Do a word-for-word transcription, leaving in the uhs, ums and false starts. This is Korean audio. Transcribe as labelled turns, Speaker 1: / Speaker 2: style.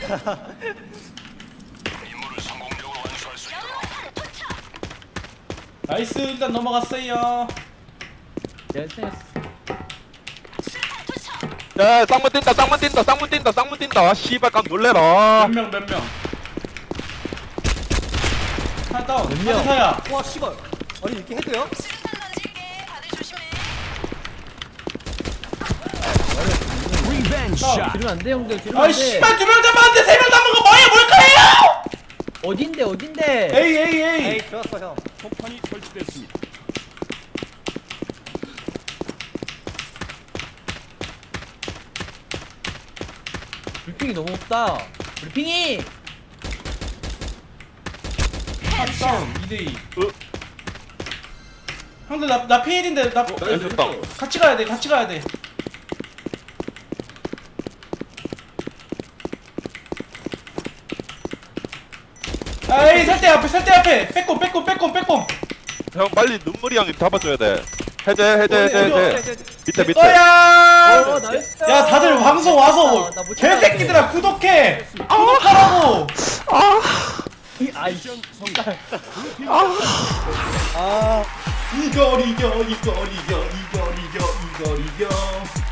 Speaker 1: 나이스 일단 넘어갔어요.
Speaker 2: 야 쌍문 뛴다 쌍문 뛴다 쌍문 뛴다 쌍문 뛴다. 아 씨발 깜 놀래라.
Speaker 1: 몇 명 몇 명. 하나 다운.
Speaker 3: 몇 명?
Speaker 1: 하나 사야.
Speaker 4: 와 씨발. 아니 이렇게 해도요?
Speaker 1: 다운.
Speaker 3: 지르면 안돼 형들 지르면
Speaker 1: 아이
Speaker 3: 안돼.
Speaker 1: 씨발 두 명 잡았는데 세 명 남은 거 뭐야 뭘까요?
Speaker 3: 어딘데 어딘데?
Speaker 1: 에이 에이 에이.
Speaker 4: 에이 들었어 형.
Speaker 5: 폭탄이 설치됐습니다.
Speaker 3: 브리핑이 너무 없다. 브리핑이.
Speaker 1: 하나 다운. 이 대 이.
Speaker 2: 어?
Speaker 1: 형들 나나 피일인데 나
Speaker 2: 나이스 다운.
Speaker 1: 같이 가야 돼 같이 가야 돼. 아이 설대 앞에 설대 앞에 빼꼼 빼꼼 빼꼼 빼꼼.
Speaker 2: 형 빨리 눈물이 형이 잡아줘야 돼. 해제 해제 해제
Speaker 1: 어디,
Speaker 2: 해제. 밑에 밑에.
Speaker 1: 어야.
Speaker 3: 어 나이스.
Speaker 1: 야 다들 방송 와서
Speaker 3: 나못
Speaker 1: 개새끼들아 구독해. 구독하라고.
Speaker 3: 아이
Speaker 5: 미션 성공.
Speaker 4: 아
Speaker 1: 이걸 이겨 이걸 이겨 이걸 이겨 이걸 이겨.